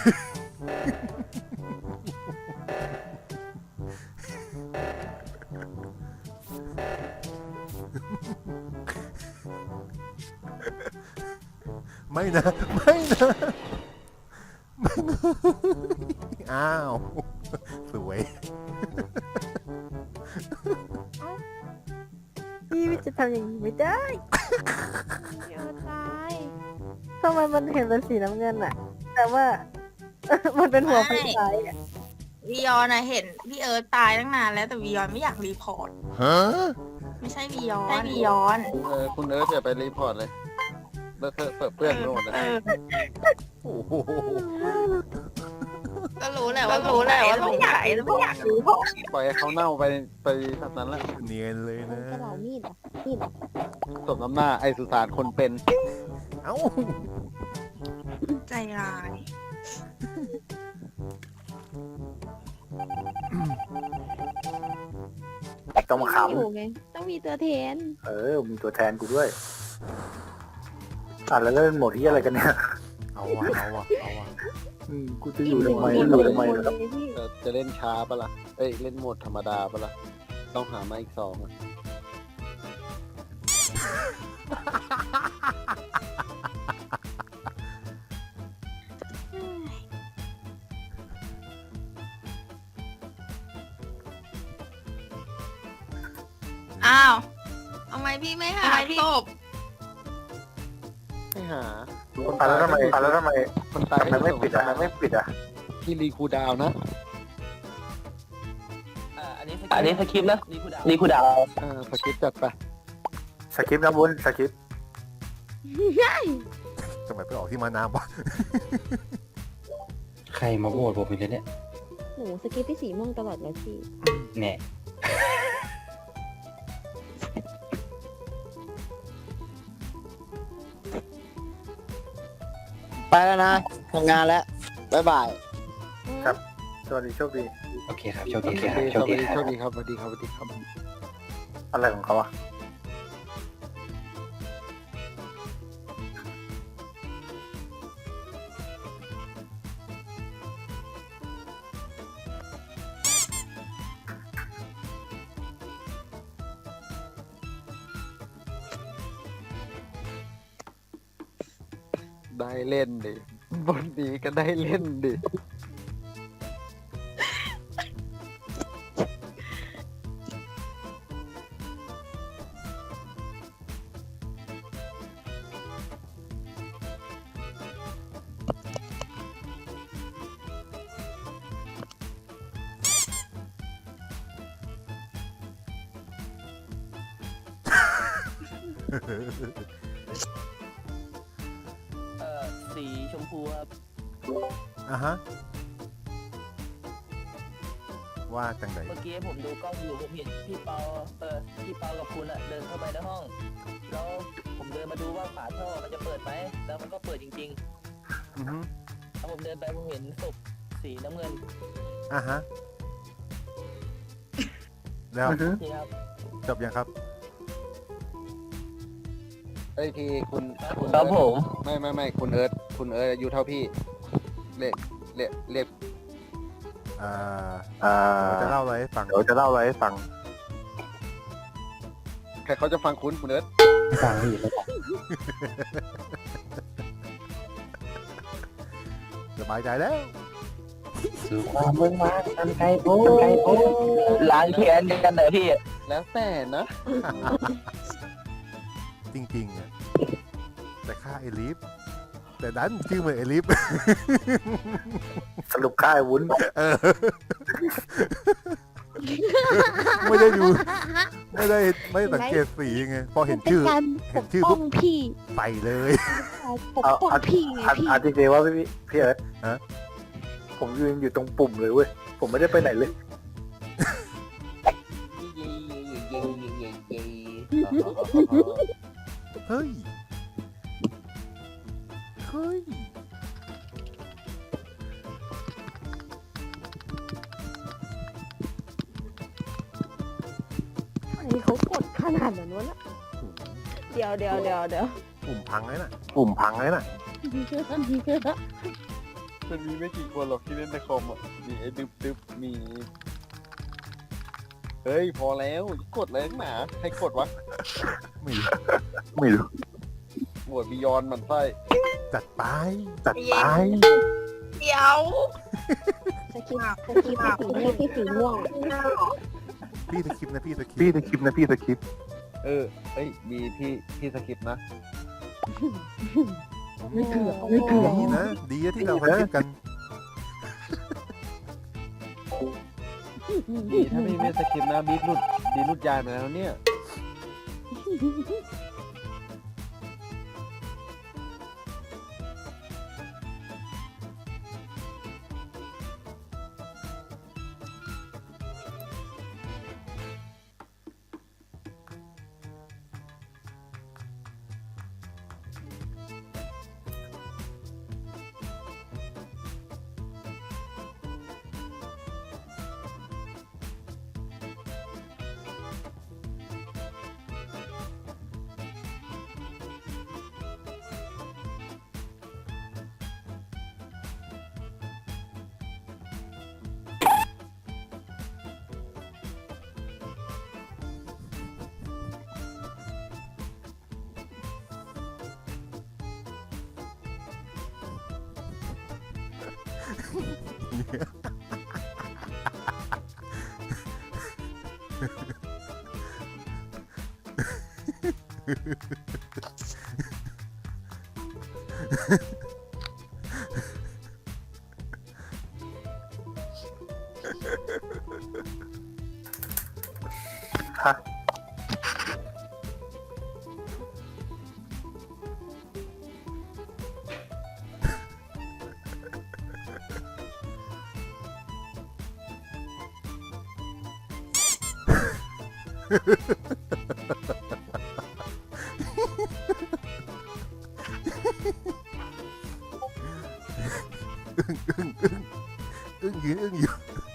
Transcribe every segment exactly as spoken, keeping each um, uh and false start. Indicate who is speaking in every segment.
Speaker 1: ไม่นะไม่นะไม่นะอ้าวสวย
Speaker 2: พี่จะทำอย่างนี้ไม่ได้
Speaker 3: เดี๋ยวตาย
Speaker 2: ทำไมมันเห็นเป็นสีน้ำเงินอะแต่ว่า มันเป็นหัวไฟฉายอะ
Speaker 4: วียอนอะเห็นพี่เอิร์ธตายตั้งนานแล้วแต่วียอนไม่อยากรีพอร์ต
Speaker 1: ฮะ
Speaker 4: ไม่ใช่วียอนใช่วียอน
Speaker 5: เออคุณเอิร์ธอย่าไปรีพอร์ตเลยเลอะเทอะเปื้อนไปหมดนะ
Speaker 4: เออ
Speaker 1: โอ้โห
Speaker 4: ก็รู้แหละว่ารู้แหละว่าสงสัยแล้วไม่อยากรีพอร์ต
Speaker 5: ปล่อยให้เขาเน่าไปไปแบบนั้นละ
Speaker 1: เนียนเลย
Speaker 3: มัน
Speaker 1: นะ
Speaker 3: จะเหลามีดอ่ะมีดอ่ะ
Speaker 5: สมน้ำหน้าไอสุสานคนเป็น
Speaker 1: เอ้า
Speaker 4: ใจร้าย
Speaker 6: ต้องมาข
Speaker 3: อยู่ไงต้องมีตัวแทน
Speaker 6: ำเออมีตัวแทนกูด้วยอ่ะแล้วเล่นโหมดที่อะไรกันเนี่ย
Speaker 1: เอาวะเอาวะเอาวะ
Speaker 6: อืมกูจะอยู่ทำไมจะอยู่ทำไมนะครับ
Speaker 3: พี่
Speaker 5: จะจะเล่นช้าปะล่ะเอ้ยเล่นโหมดธรรมดาปะล่ะต้องหามาอีกสองอะ
Speaker 4: อ้าวทำไมพี่ไม่หาศพ
Speaker 5: ไม่หา
Speaker 6: อ่ะแล้วทำไมอ่ะแล้วทำไม
Speaker 5: คนตาย
Speaker 6: ทำไมไม่ปิดอ่ะทำไมไม่ปิดอ่ะ
Speaker 5: ที่รีคูลดาวน์นะ
Speaker 7: อันนี้สคริปต์นะรีคูดาว
Speaker 5: เออสกิปจัดไป
Speaker 6: สคริปต์นะบุญสคริปต์
Speaker 1: ทำไมไปออกที่มาน้ำวะ
Speaker 8: ใครมาโหวตผมอีกแล้วเนี่ย
Speaker 3: หนูสกิปพี่สีม่วงตลอดเลยพี่
Speaker 8: เนี่ย
Speaker 7: ไปแล้วนะทำงานแล้ว บ๊ายบาย
Speaker 6: สวัสดีโชคดี
Speaker 8: โอเคครับ โชค
Speaker 5: โอ
Speaker 8: ดี
Speaker 5: เค
Speaker 8: ครับ
Speaker 5: ส
Speaker 8: โชค
Speaker 5: วัส
Speaker 8: ดี
Speaker 5: ดี
Speaker 8: ค
Speaker 5: โช
Speaker 8: รับ
Speaker 5: คดีครับสวัสดีครับสวัสดีครับ
Speaker 6: อะไรของเขาอ่ะ
Speaker 5: ได้เล่นดิบนดีก็ได้เล่นดิ
Speaker 7: เอ่อ สีชมพูครับ
Speaker 1: อ่ะฮะว่าจังไหน
Speaker 7: เมื่อกี้ผมดูกล้องอยู่ผมเห็นพี่เปา เออ พี่เปากับคุณอะเดินเข้าไปในห้อง แล้วผมเดินมาดูว่าฝาท่อมันจะเปิดไหม แล้วมันก็เปิดจริง
Speaker 1: อือฮึ
Speaker 7: ๆแล้วผมเดินไปผมเห็นศพสีน้ำเงิน
Speaker 1: อ่ะฮะแล้ว
Speaker 6: อือฮึ
Speaker 7: นี่ครับ
Speaker 1: จบยังครับ
Speaker 5: เอ้ยทีคุณคุณ
Speaker 7: ครับผม
Speaker 5: ไม่ไม่ไม่คุณเอิร์ธคุณเอิร์ธอายุเท่าพี่เรียกเรียกเรียก
Speaker 1: อ่า
Speaker 6: อ่า
Speaker 1: เดี๋ยวจะเล่าอะไรให้ฟัง
Speaker 6: เดี๋ยวจะเล่าอะไรให้ฟัง
Speaker 5: ใครเขาจะฟังคุณคุณเอิร์ธ
Speaker 8: ฟังพี่แล้ว
Speaker 1: สบายใจแล้ว
Speaker 8: สู่ความเมืองมากันไกลโพ้ไกลโพ้
Speaker 7: ล้างแค้นกันเหรอพี่
Speaker 5: แล้วแต่นะ
Speaker 1: จริงๆอะแต่ฆ่าเอลิฟแต่ดันชื่อเหมือนเอลิฟ
Speaker 6: สรุปค่ายวุ้น
Speaker 1: เออ ไม่ได้ดู ไม่ได้ไม่ได้สังเกตสีไงพอเห็น
Speaker 3: เป็น
Speaker 1: ชื่อ
Speaker 3: การ
Speaker 1: เห็น
Speaker 3: ป
Speaker 1: ชื่อก
Speaker 3: ป้
Speaker 1: ปุ๊
Speaker 3: อบ งพี่
Speaker 1: ใส่เลย
Speaker 3: ปกป้องพี่ไง
Speaker 6: อัน
Speaker 3: พี่
Speaker 6: อันจริงๆว่าพี่พี่เอิร์ธ
Speaker 1: ฮะ
Speaker 6: ผมยืนอยู่ตรงปุ่มเลยเว้ยผมไม่ได้ไปไหนเลย
Speaker 1: เฮ้ย เฮ้ย
Speaker 3: ไอ้เขากดขนาดนั้นวะนะเดี๋ยวเดี๋ยวเดี๋ยวเดี๋ยว
Speaker 1: ปุ่มพังเลยน่ะ ปุ่มพังเลยน่ะ
Speaker 5: มันมีไม่กี่คนหรอกที่เล่นในคอมอ่ะมีไอ้ดึบดึบมีเฮ้ยพอแล้วกดเลยหนาใครกดวะ
Speaker 1: ไม่รู้
Speaker 6: ไม่รู้
Speaker 5: โหวตบิยอนมันไส้
Speaker 1: จัดไป
Speaker 6: จัดไป
Speaker 4: เดี๋ยว
Speaker 3: สคริปต์สคริปต์สีม่วงที่สีม่วง
Speaker 1: พี่สคริปต์นะพี่สคริป
Speaker 6: พี่
Speaker 1: ต์
Speaker 6: สคริปต์นะพี่สคริปต์
Speaker 5: เออเอ้ยบีพี่พี่สกิปนะ
Speaker 3: ไม่เถื่อนไม่เถื่อน
Speaker 1: ดีนะ ดีนะที่เราสคริปต์กัน
Speaker 5: บีถ้าพี่ไม่สกิปนะบีหลุดบีหลุดยายมาแล้วเนี่ย
Speaker 6: ฮะ
Speaker 1: อึ้งยืนอึ้งอยู่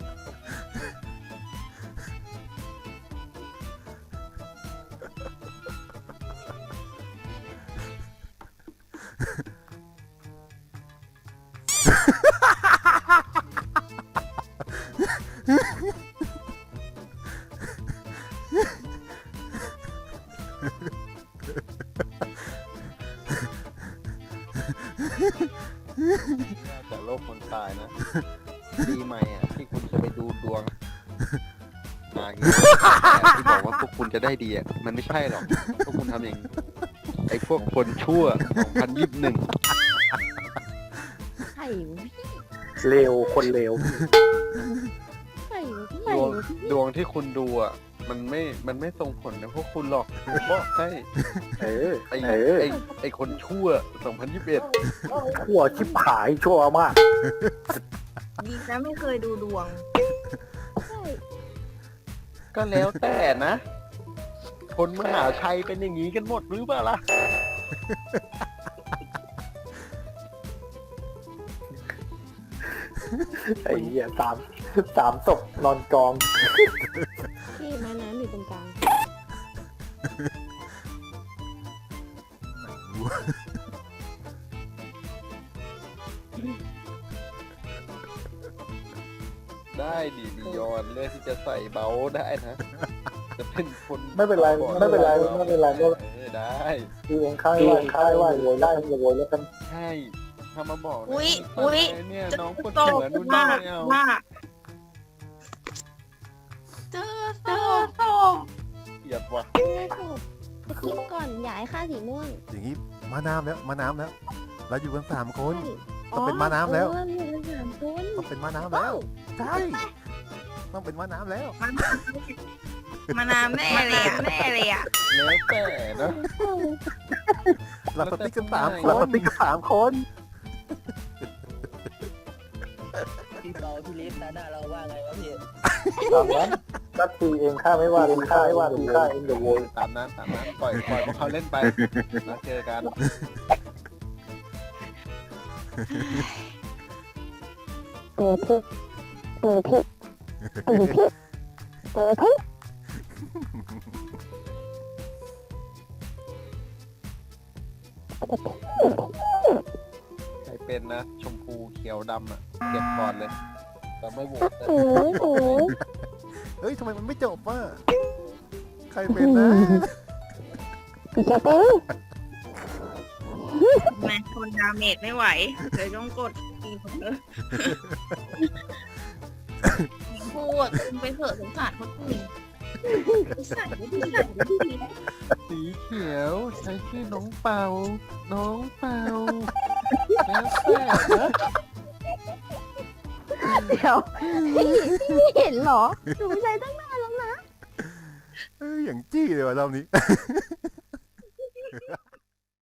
Speaker 5: จากโลกคนตายนะดีไหมอ่ะที่คุณจะไปดูดวงมาอย่างนี้แต่ที่บอกว่าพวกคุณจะได้ดีอ่ะมันไม่ใช่หรอกพวกคุณทำอย่างนี้ไอ้พวกคนชั่วสองพันยี่สิบเอ็ด
Speaker 3: ไข่วะพี่
Speaker 6: เลวคนเลว
Speaker 3: ไข่วะพี่
Speaker 5: ดวงดวงที่คุณดูอ่ะมันไม่มันไม่ส่งผลนะพวกคุณหรอกบอกให้
Speaker 6: เออ
Speaker 5: ไอ้
Speaker 6: เออ
Speaker 5: ไอ้ไอ้คนชั่วสองพันยี่สิบเอ็ด
Speaker 6: ชั่วชิบหายชั่วมาก
Speaker 4: ดีนะไม่เคยดูดวง
Speaker 3: ใช่
Speaker 5: ก็แล้วแต่นะ คนมหาชัยเป็นอย่างนี้กันหมดหรือเปล่าล่ะ
Speaker 6: ไอ้เหี้ยสามสามศพนอนกอง
Speaker 3: พี่ม้าน้ำอยู่ตรงกลาง
Speaker 5: ได้ดีดียอนเลือกที่จะใส่เบลได้นะ จะเป็นคน
Speaker 6: ไม่เป็นไรไม่เป็นไรไม่เป็นไรไม่เป็นไร
Speaker 5: เออได้
Speaker 6: คือเองค่ายว่าค่ายว่าโวยได้โวยแล้วกัน
Speaker 5: ใช่ถ้ามาบอกนะ
Speaker 4: อุ๊ย
Speaker 5: ว่า
Speaker 4: อุ๊ย
Speaker 5: เนี่ย
Speaker 4: จะ
Speaker 5: น้องปวด
Speaker 4: โต
Speaker 5: หัวนู่นนี่
Speaker 4: มาก
Speaker 5: ไม่เอา
Speaker 4: มากเจอเจอโต
Speaker 5: เกลียดว่ะ
Speaker 3: ไม่ถูกสคริปต์ก่อนอย่าให้ค่าสีม่วง
Speaker 1: อย่างนี้มาน้ำแล้วมาน้ำแล้ว เราอยู่กันสามคน
Speaker 3: ใช่
Speaker 1: ต้องเป็นม้าน้ำแล้ว
Speaker 3: เอออยู่กันสามคน
Speaker 1: ต้องเป็นม้าน้ำแล้วใช่ต้องเป็นม้าน้ำแล้ว
Speaker 4: มานามแน่เลยอะแน่เลยอ่ะ
Speaker 5: แล้วแต่นะ
Speaker 1: เราสติ๊กกันสามค
Speaker 6: เรา
Speaker 1: น
Speaker 6: สติ๊กกันสามคน
Speaker 7: พี่เปาพี่ลิฟต์หน้าเราว่าไงวะพี่
Speaker 6: ตามนั้นก็คือเองค่าไม่ว่าเองค่าไม่ว่าเองค่าเองเดี๋ยวโวย
Speaker 5: ตามนั้นตามนั้นปล่อยปล่อยพวกเขาเล่นไปแล้วเจอกัน
Speaker 3: เปิดพี่เปิดพี่เปิดพี่เปิดพี่
Speaker 5: ใครเป็นนะ ชมพูเขียวดำอ่ะเก็บก่อนเลยเราไม่โหวตนะ
Speaker 3: โอ้ยโอ้ย
Speaker 1: เฮ้ยทำไมมันไม่จบอ่ะใครเป็นนะ
Speaker 3: พี่เจเต้
Speaker 4: แม่ทนดาเมจไม่ไหวเลยต้องกดตีผมเลยพูดคุณไปเถอะสงสารคนอื่นสงสารไม่ดีสงสารไม่ดี
Speaker 5: สีเขียวใช้ชื่อน้องเปาน้องเปาแล้วแต่นะ
Speaker 2: เดี๋ยว
Speaker 3: ไม่เห็นเหรอหนูไม่ใช่ตั้งนานแล้วนะ
Speaker 1: เอ้ยอย่างจี้เลยว่ะรอบนี้